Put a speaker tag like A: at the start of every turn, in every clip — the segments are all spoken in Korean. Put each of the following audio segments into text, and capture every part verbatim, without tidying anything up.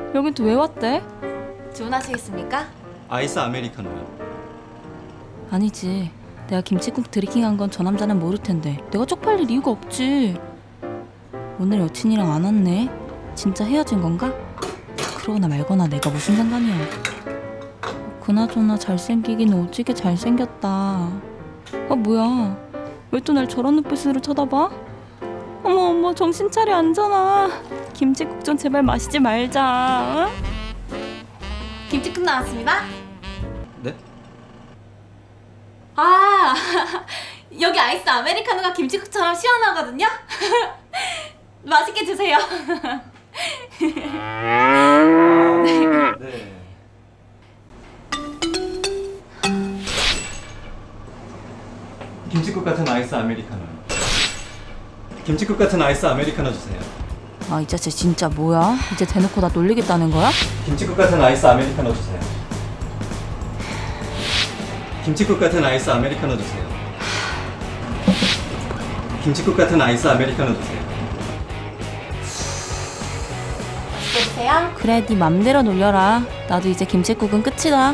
A: 여긴 또 왜 왔대?
B: 주문하시겠습니까?
C: 아이스 아메리카노요.
A: 아니지. 내가 김치국 드리킹한 건 저 남자는 모를 텐데 내가 쪽팔릴 이유가 없지. 오늘 여친이랑 안 왔네. 진짜 헤어진 건가? 그러거나 말거나 내가 무슨 상관이야. 그나저나 잘생기긴 오지게 잘생겼다. 아 뭐야, 왜 또 날 저런 눈빛으로 쳐다봐? 어머 어머, 정신 차려 앉아나. 김치국 좀 제발 마시지 말자. 응?
B: 김치국 나왔습니다.
C: 네?
B: 아, 여기 아이스 아메리카노가 김치국처럼 시원하거든요? 맛있게 드세요.
C: 네. 김치국 같은 아이스 아메리카노요. 김치국 같은 아이스 아메리카노 주세요.
A: 아, 이 자식 진짜 뭐야? 이제 대놓고 나 놀리겠다는 거야?
C: 김치국 같은 아이스 아메리카노 주세요. 김치국 같은 아이스 아메리카노 주세요. 김치국 같은 아이스 아메리카노 주세요.
B: 맛있게 드세요.
A: 그래, 네 맘대로 놀려라. 나도 이제 김치국은 끝이다.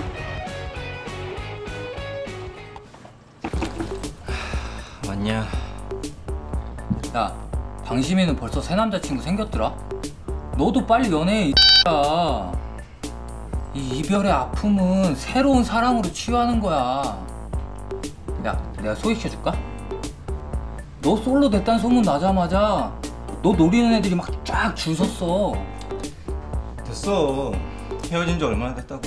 C: 맞냐?
D: 야, 방심이는 벌써 새 남자친구 생겼더라? 너도 빨리 연애해, 이 X야. 이 이별의 아픔은 새로운 사랑으로 치유하는 거야. 야, 내가 소개시켜줄까? 너 솔로 됐다는 소문 나자마자 너 노리는 애들이 막 쫙 줄 섰어.
C: 됐어. 헤어진 지 얼마나 됐다고.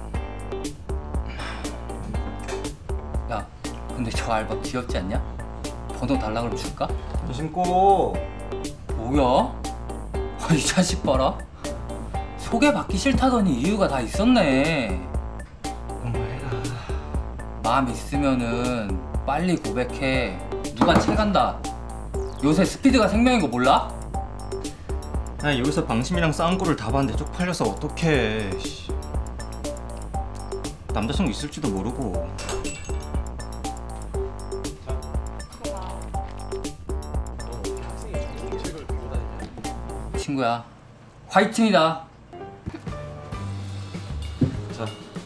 D: 야, 근데 저 알바 귀엽지 않냐? 번호 달라 그러면 줄까?
C: 조심 꼭.
D: 뭐야? 아, 이 자식 봐라. 소개받기 싫다더니 이유가 다 있었네.
C: 엄마해라.
D: 마음 있으면은 빨리 고백해. 누가 채간다. 요새 스피드가 생명인 거 몰라?
C: 야, 여기서 방심이랑 싸운 꼴을 다 봤는데 쪽팔려서 어떡해. 씨. 남자친구 있을지도 모르고.
D: 친구야, 화이팅이다.
E: 자,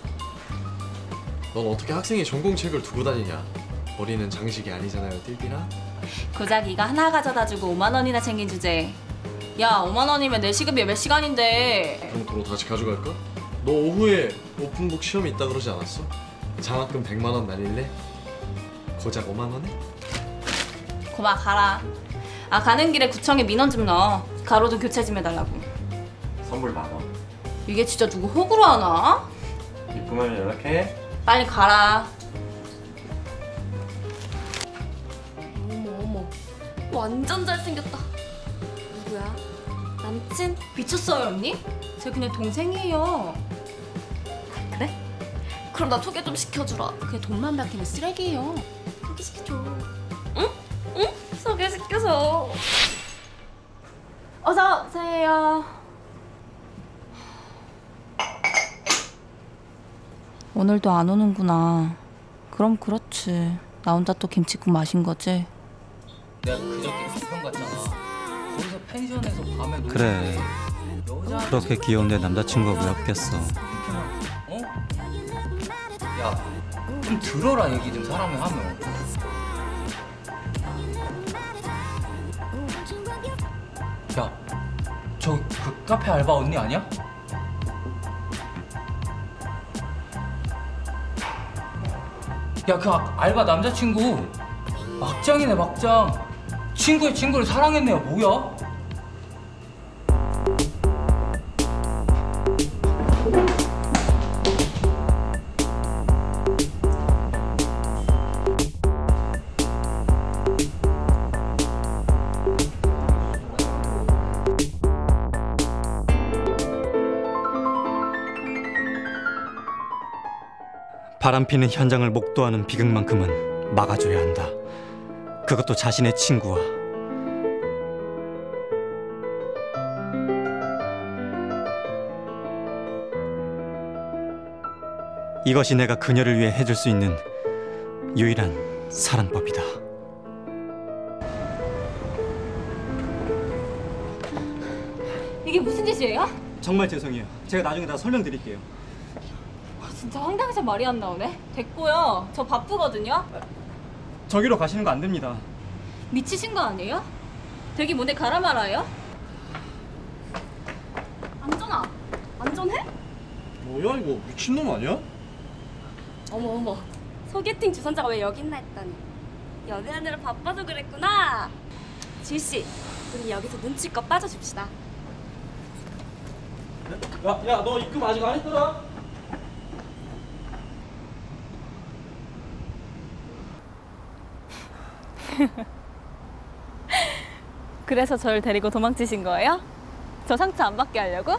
E: 넌 어떻게 학생이 전공책을 두고 다니냐? 머리는 장식이 아니잖아요, 띨띨아?
A: 고작 이거 하나 가져다주고 오만 원이나 챙긴 주제. 야, 오만 원이면 내 시급이 몇 시간인데.
E: 그럼 도로 다시 가져갈까? 너 오후에 오픈북 시험이 있다 그러지 않았어? 장학금 백만 원 날릴래? 고작 오만 원에?
A: 고마, 가라. 아, 가는 길에 구청에 민원 좀 넣어. 가로등 교체 좀 해달라고.
C: 선물 만 원.
A: 이게 진짜 누구 호구로 하나?
C: 이쁘면 연락해.
A: 빨리 가라.
B: 어머 어머, 완전 잘생겼다. 누구야? 남친?
A: 미쳤어요, 언니? 제 그냥 동생이에요.
B: 그래? 그럼 나 소개 좀 시켜주라.
A: 그게 돈만 밝히는 쓰레기예요.
B: 소개시켜줘. 응? 응? 소개시켜줘.
A: 어서 오세요. 오늘도 안 오는구나. 그럼 그렇지. 나 혼자 또 김치국 마신 거지?
D: 내가 그저께 부평 갔잖아. 거기서 펜션에서 밤에 놀고
C: 그래.
D: 여자
C: 그렇게 귀여운 내 남자친구가 왜 없겠어.
D: 어? 야, 좀 들어라. 얘기 좀 사람이 하면. 야, 저 그 카페 알바 언니 아니야? 야, 그 아- 알바 남자친구 막장이네, 막장. 친구의 친구를 사랑했네요. 뭐야?
C: 바람피는 현장을 목도하는 비극만큼은 막아줘야 한다. 그것도 자신의 친구와. 이것이 내가 그녀를 위해 해줄 수 있는 유일한 사랑법이다.
A: 이게 무슨 짓이에요?
C: 정말 죄송해요. 제가 나중에 다 설명드릴게요.
A: 진짜 황당해서 말이 안 나오네. 됐고요. 저 바쁘거든요.
C: 저기로 가시는 거 안 됩니다.
A: 미치신 거 아니에요? 되게 뭔데 가라 말아요?
B: 안전아, 안전해?
E: 뭐야 이거 미친놈 아니야?
B: 어머 어머, 소개팅 주선자가 왜 여기 있나 했더니 연애하느라 바빠서 그랬구나. 지우씨, 우리 여기서 눈치껏 빠져줍시다.
E: 야야 너 입금 아직 안 했더라?
A: 그래서 저를 데리고 도망치신 거예요? 저 상처 안 받게 하려고?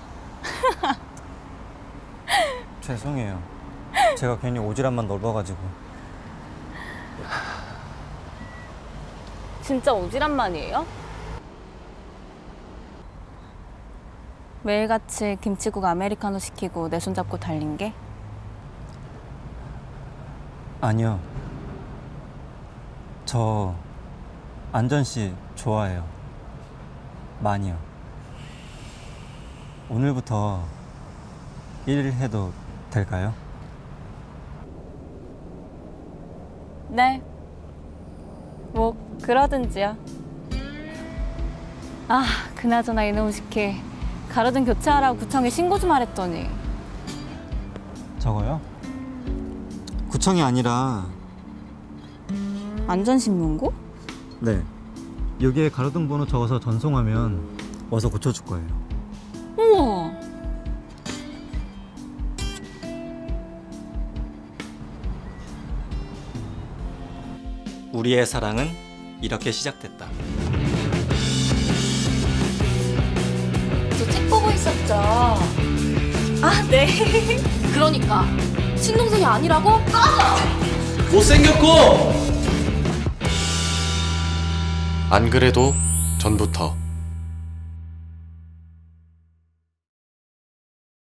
C: 죄송해요. 제가 괜히 오지랖만 넓어가지고.
A: 진짜 오지랖만이에요? 매일같이 김치국 아메리카노 시키고 내 손 잡고 달린 게?
C: 아니요. 저 안전 씨 좋아해요. 많이요. 오늘부터 일 해도 될까요?
A: 네. 뭐 그러든지요. 아, 그나저나 이놈 시키 가로등 교체하라고 구청에 신고 좀 하랬더니.
C: 저거요? 구청이 아니라
A: 안전신문고?
C: 네. 여기에 가로등 번호 적어서 전송하면 와서 고쳐줄 거예요.
A: 우와.
C: 우리의 사랑은 이렇게 시작됐다.
B: 저 책 보고 있었죠? 아, 네. 그러니까 친동생이 아니라고?
E: 못생겼고! 안 그래도 전부터